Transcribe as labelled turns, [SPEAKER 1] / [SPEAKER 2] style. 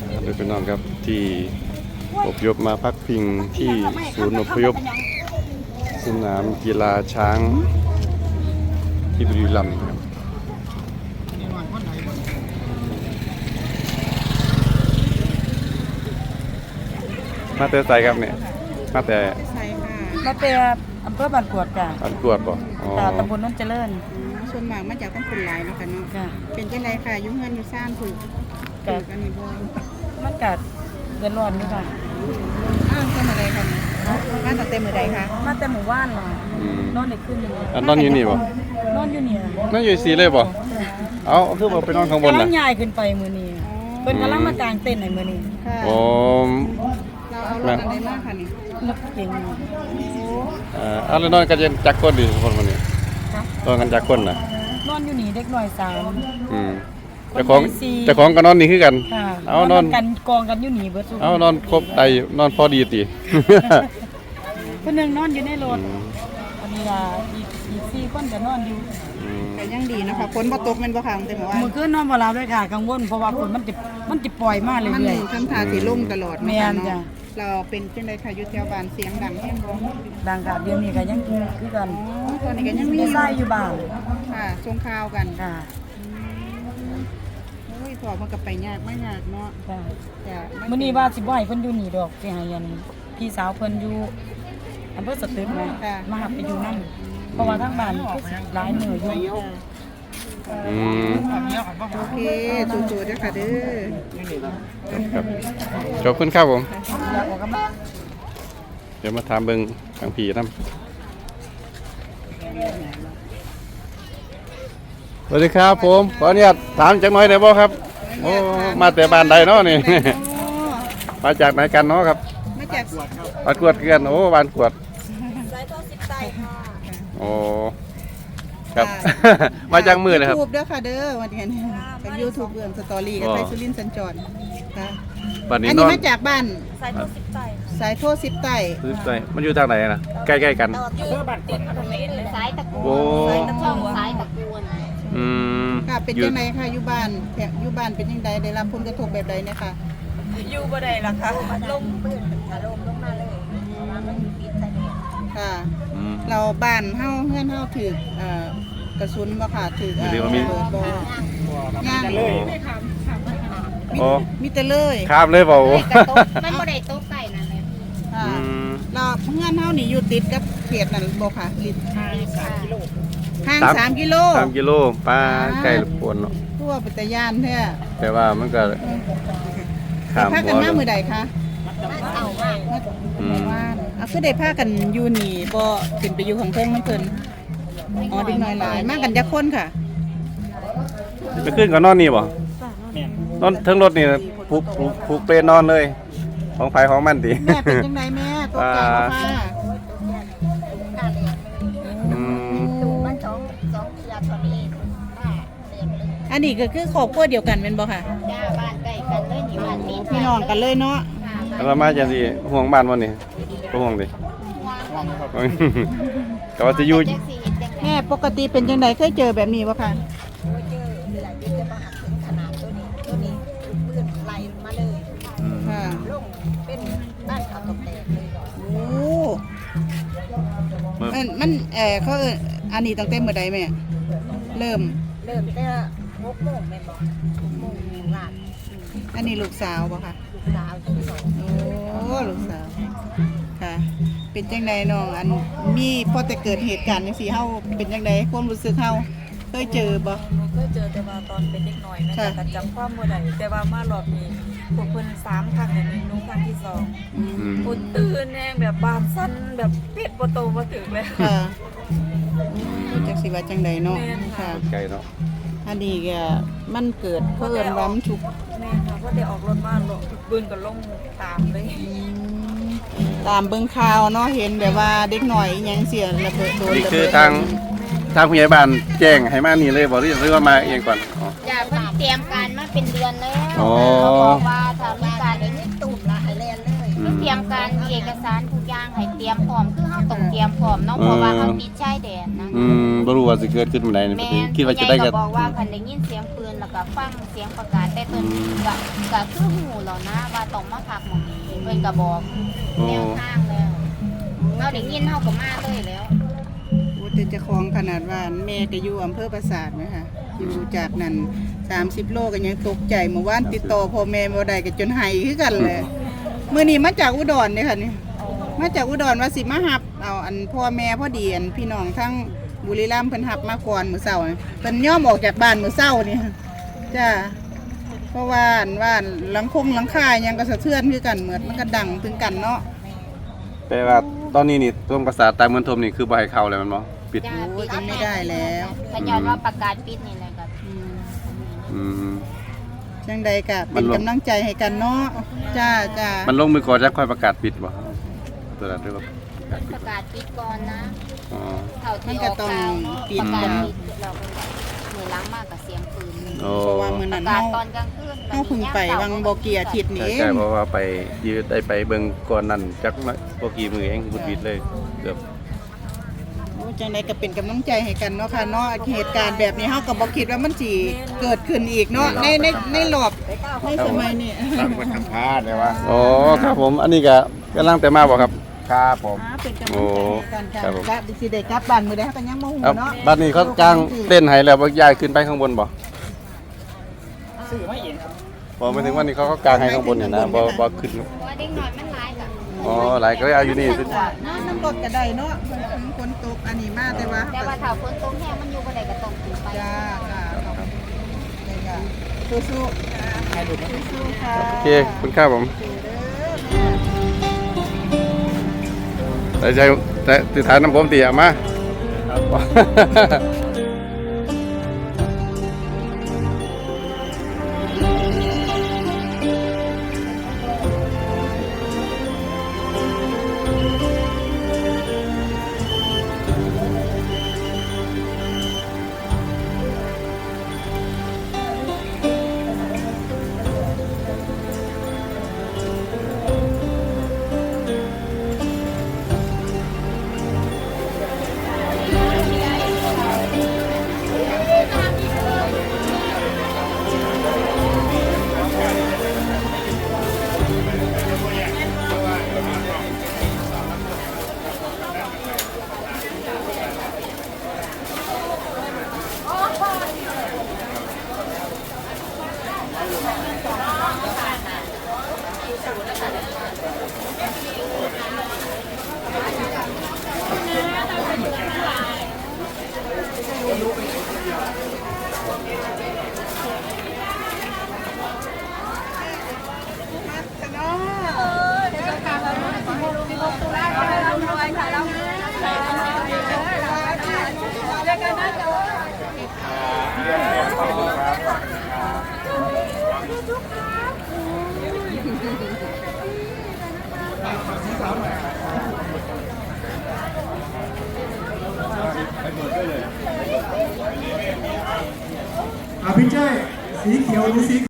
[SPEAKER 1] โดยพี่น้องครับที่อพยพมาพักพิงที่ศูนย์อพยพสนามกีฬาช้างที่บุรีรัมย์ครับมาแต่ไสครับเนี่ยมาแต่
[SPEAKER 2] มาเป็นอำเภอบ้านกวดจ้ะ
[SPEAKER 1] บ้านกวดบ่อ๋อ
[SPEAKER 2] ตำบลนนเจริญ
[SPEAKER 3] ส่วนมากมาจากต้องคนหลายเนาะค่ะเนาะเป็นจังไดค่ะยุ่งเงินอยู่สร้างถูกกันนี่บ่
[SPEAKER 2] มันกัดเดือดร้อนอยู่ค่ะ
[SPEAKER 3] เต็มอะไรค่ะมาตั้งแต่มื้อใดคะ
[SPEAKER 2] มาแต่หมู่บ้านเนาะนอนได้คืนนึง
[SPEAKER 1] นอนอยู่นี่บ่
[SPEAKER 2] นอนอยู่นี่
[SPEAKER 1] นอนอยู่สีเลยบ่เอาคือบ่ไปนอนข้างบนน่ะ
[SPEAKER 2] กำลังย้ายขึ้นไปมื้อนี้เพิ่นกำลังมากางเต็นท์ให้มื้อนี้
[SPEAKER 1] อ๋อ
[SPEAKER 3] เราเอารถอันใดมาค่ะนี่
[SPEAKER 2] รถเก๋ง
[SPEAKER 1] เอาแล้วนอนกันจักคนดิคนมื้อนี้นอนกันจักคนน่ะ
[SPEAKER 2] นอนอยู่นี่เด็กน้อย3
[SPEAKER 1] เจ้าของก็นอนนี่คือกัน
[SPEAKER 2] เอานอนกันกองกันอยู่นี่เบิด
[SPEAKER 1] เอานอนครบไตนอนพอดีติ
[SPEAKER 2] เพิ่นนึงนอนอยู่ในรถอันนี้ล่ะอีก4คนก็นอนอยู่
[SPEAKER 3] แต่ยังดีนะคะฝนบ่ตกแม่นบ่ค่ะแต่เมื่อวาน
[SPEAKER 2] มื้อคืนนอนบ่หลับเลยค่ะกังวลเพราะว่าฝนมันจะปล่อยมาเรื่อยๆ
[SPEAKER 3] มันทำท่าสิลงตลอด
[SPEAKER 2] แม่นจ้ะ
[SPEAKER 3] เราเป็นจังได๋ค่ะอยู่แถวบ้านเสียงดังแฮงบ่
[SPEAKER 2] ดังค่ะเดี๋ยวนี้ก็ยังคือกัน
[SPEAKER 3] ตอนนี้ก็ยังมี
[SPEAKER 2] ใส่อยู่บ้าน
[SPEAKER 3] ค่ะส่งข่าวกัน
[SPEAKER 2] ค่ะ
[SPEAKER 3] โอ้ยพอมันก็ไปยากไม่ยากเนาะ
[SPEAKER 2] จ้ะมื้อนี้ว่าสิบ่ให้เพิ่นอยู่นี่ดอกสิให้อันพี่สาวเพิ่นอยู่อำเภอสตึกนะมาหับไปอยู่นำเพราะว่าทางบ้านคือหลายมื้ออยู่
[SPEAKER 3] โอเคสู้ๆเด้อค่ะเด้อ
[SPEAKER 1] ครับขอบคุณครับผมเดี๋ยวมาถามเบิ่งทางพี่นำสวัสดีครับผมขออนุญาตถามจักหน่อยได้บ่ครับโอ้มาแต่บ้านใดเนาะนี่มาจากไหนกันเนาะครับ
[SPEAKER 3] มาจาก
[SPEAKER 1] บ้านกวดกันโอ้บ้านกวด
[SPEAKER 2] สายโทร10ไต้ค่ะ
[SPEAKER 1] โอ้ครับมาจากมือเลยครับ
[SPEAKER 3] YouTube เด้อค่ะเด้อวันนี้เป็น YouTube เรื่องสตอรี่กับไทยสุรินทร์สัญจรค่ะ
[SPEAKER 1] อันนี้
[SPEAKER 3] มาจากบ้าน
[SPEAKER 2] สายโทร10ไต้
[SPEAKER 3] สายโทร10ไต้
[SPEAKER 1] มันอยู่ทางไหนนะใกล้ๆกัน
[SPEAKER 2] อยู่บ้านติดถนนเลยสายตะกู
[SPEAKER 1] สาย
[SPEAKER 2] ตะช่องสายตะกู
[SPEAKER 3] ค่ะเป็นจังได๋ค่ะอยู่บ้านเป็นจังไดได้รับผลกระทบแบบใดเนี่ยค่ะ
[SPEAKER 2] อยู่บ่ได้ล่ะค่ะลมปื้นถล่มลงมาเลยมันปิดซะเนี่ย
[SPEAKER 3] ค่ะเราบ้านเฮาเฮือนเฮาถูกกระสุนบ่ค่ะถูกบ่ย่างเลยมีแต่เลย
[SPEAKER 1] ครับเลยเปล่า
[SPEAKER 2] มันบ่ได้ตกใส่นั่นแหละ
[SPEAKER 3] เราเฮือนเฮานี่อยู่ติดกับเขตนั่นบ่ค่ะห่าง3 กิโล
[SPEAKER 1] 3 กิโลป้าไกลรบกวนเนาะ
[SPEAKER 3] ทั่วปัตยานแท้
[SPEAKER 1] แต่ว่ามันก็
[SPEAKER 3] ข้ามพากันมามื้อใดคะ
[SPEAKER 2] เอา
[SPEAKER 3] ว่าคือได้พากันอยู่นี่บ่ขึ้นไปอยู่ข้างเทิงมันเพิ่นอ๋อเด็กน้อยหลายมากันจักคนค่ะ
[SPEAKER 1] ไปขึ้นก็นอนนี่บ่นอนทั้งรถนี่ผูกเปนอนเลยของไผของมันติ
[SPEAKER 3] แม่เป็นจังไดแม่ตกใจบ่ค่ะ
[SPEAKER 2] มัน2ยาทอนี้
[SPEAKER 3] อันนี้ก็คือครอบครัวเดียวกันแม่นบ่ค่ะ
[SPEAKER 2] จ้าบ้านใกล้กันเลยนี่บ้านติด
[SPEAKER 3] พี่น้องกันเลยเนาะ
[SPEAKER 1] เรามาจังซี่ห่วงบ้านบ่นี่บ่ห่วงดิก็ว่าสิอยู่
[SPEAKER 3] แม่ปกติเป็นจังไดเคยเจอแบบนี้บ่ค่ะ
[SPEAKER 2] เจอหลายปีจะมาหักถึงขนาดตัวนี้ปืนไหลมาเลย
[SPEAKER 3] ค่ะ
[SPEAKER 2] ลงเป็นบ้านเขาตกแตกเลย
[SPEAKER 3] โอ้มันเขาอันนี้ตั้งแต่เมื่อใดแม่เริ่ม
[SPEAKER 2] แต่6 โมงแม่บอก6 โมงลาด
[SPEAKER 3] อันนี้ลูกสาวบ่ค่ะ
[SPEAKER 2] ลูกสาวทั้งสอง
[SPEAKER 3] โอ้ลูกสาวค่ะเป็นจังไดน้องอันมีพอแต่เกิดเหตุการณ์จังซี่เฮาเป็นจังไดความรู้สึกเฮาเคยเจอบ่
[SPEAKER 2] เคยเจอแต่ว่าตอนเป็นเด็กน้อยนะแต่จำความบ่ได้แต่ว่ามารอบนี้พวกเพิ่น3ครั้งเนี่ยนุ่งครั้งที่2อุ่นตื่นแน่แบบบานสั่นแบบปิดบ่โตบ่ถึงเลย
[SPEAKER 3] ค่ะจักสิว่าจังไดเนาะค่ะ
[SPEAKER 1] ไกลเนาะ
[SPEAKER 3] อันนี้ก็มันเกิดเพิ่นรำทุก
[SPEAKER 2] แม่ค่ะเพราะได้ออกรถมาลงปืนก็ลงตามเลย
[SPEAKER 3] ตามเบิ่งข่าวเนาะเห็นแบบว่าเด็กหน่อยยังเสียระเบิดโดน
[SPEAKER 1] นี่คือทางผู้ใหญ่บ้านแจ้งให้มานี่เลยบ่หรือว่ามาเองก่อน
[SPEAKER 2] จ้าเพิ่นเตรียมการมาเป็นเดือนแล้วเขาบอกว่าถ้ามีการได้นี่ตุ่มละให้เรียนเลยเตรียมการเอกสารทุกอย่างให้เตรียมพร้อมคือเฮาต้องเตรียมพร้อมเนาะเพราะว่าเฮาติดชายแดนนะ
[SPEAKER 1] บ่รู้ว่าสิเกิดขึ้นเมื่อใดนี่คิดว่าจะได้ก็
[SPEAKER 2] บอกว่าคันได้ยินเสียงปืนแล้วก็
[SPEAKER 4] ฟังเสียงประกาศแต่เพิ่นก็คือหูแล้วนะว่าต้องมาพักหม่องนี้เพิ่นก็บอกแนวทางแล้วเฮาได้ยินเฮาก็มาเลยแล้ว
[SPEAKER 3] โอ้แต่เจ้าของขนาดว่าแม่ก็อยู่อำเภอปราสาทนะคะอยู่จากนั้น30 โลก็ยังตกใจเมื่อวานติดต่อพ่อแม่บ่ได้ก็จนไห้คือกันเลยมื้อนี้มาจากอุดรเด้อค่ะนี่มาจากอุดรว่าสิมารับเอาอันพ่อแม่พอดีอันพี่น้องทั้งบุรีรัมย์เพิ่นรับมาก่อนมื้อเช้านี่เพิ่นยอมออกจากบ้านมื้อเช้านี่จ้าเพราะว่าอันว่าหลังคายังก็สะเทือนคือกันเหมือนมันก็ดังถึงกันเนาะ
[SPEAKER 1] แปลว่าตอนนี้นี่ตรงภาษาใต้เมืองทมนี่คือบ่ให้เข้าแล้วแมันบ่ปิด
[SPEAKER 4] จ้า
[SPEAKER 3] โอ้ยยังไม่ได้แล้ว
[SPEAKER 4] ขย้อนว่าประกาศปิดนี่แหละก็
[SPEAKER 1] อืม
[SPEAKER 3] จังใดก็เป็นกำลังใจให้กันเนาะจ้าจ้า
[SPEAKER 1] มันลงมือก่อนแล้วค่อยประกาศปิดบ่ตัวนั้นด้วยว่าประกาศปิด
[SPEAKER 4] ประกาศปิดก่อนนะ
[SPEAKER 1] อ๋อ
[SPEAKER 4] เท่าที่ออกข่าวเนาะประกาศปิดเราก็มือล้างมากกับเสียงปืน
[SPEAKER 1] โอ้
[SPEAKER 3] เพราะว่ามื้อ
[SPEAKER 4] ป
[SPEAKER 3] นั้
[SPEAKER 4] ระ
[SPEAKER 3] น
[SPEAKER 4] กาศ
[SPEAKER 3] เฮา
[SPEAKER 4] ตอนกลางคืน
[SPEAKER 3] เฮาเพึ่งไปวังบ่เกียอาทิตย์นี่เอ
[SPEAKER 1] ใช่
[SPEAKER 3] ง
[SPEAKER 1] เพราะว่าไปยืดได้ไปเบิ่งก่อนนั้นจักบ่กี่มื้อเองบุดบิดเลยเกือบ
[SPEAKER 3] โอ้จังใดก็เป็นกำลังใจให้กันเนาะค่ะเนาะเหตุการณ์แบบนี้เฮาก็บ่คิดว่ามันสิเกิดขึ้นอีกเนาะในรอบในสมัยนี้
[SPEAKER 5] ตั้งไว้ทำพลาดเลยว่า
[SPEAKER 1] อ๋อครับผมอันนี้ก็กำลังแต่มาบ่ครับ
[SPEAKER 5] ครับผม
[SPEAKER 3] เป็นกำลังใจให้กันค่ะ
[SPEAKER 1] ครับผม
[SPEAKER 3] และสิได้กลับบ้านมื้อใดเฮาก็ยังบ่ฮู้
[SPEAKER 1] ครับ
[SPEAKER 3] เนาะ
[SPEAKER 1] บัดนี้เขากางเต้นให้แล้วบ่ย้ายขึ้นไปข้างบนบ่
[SPEAKER 5] ซื้อมาเองครับ
[SPEAKER 1] บ่หมายถึงว่านี่เขาก็กางให้ข้างบนเนี่ยนะบ่ขึ้น
[SPEAKER 4] เพราะว่าเด็กน้อยมันร้ายกับ
[SPEAKER 1] อ๋อหลายก็เอาอยู่นี่สิ
[SPEAKER 3] น้ำรถก็ได้เนาะฝนตกอันนี้มาแต่ว่า
[SPEAKER 4] แต่ว่าถ้าฝนตกแห้งมันอยู่บ่ได้ก็ต้องขึ้นไป
[SPEAKER 3] จ้าจ้าได้จ้าสู้ๆให้ดูสู้ๆค่ะ
[SPEAKER 1] โอเคขอบคุณครับผมแต่ใจแต่ติดฐานน้ำผมตีอ่ะมา
[SPEAKER 5] พี่เจ้ยสีเขียวหรือสี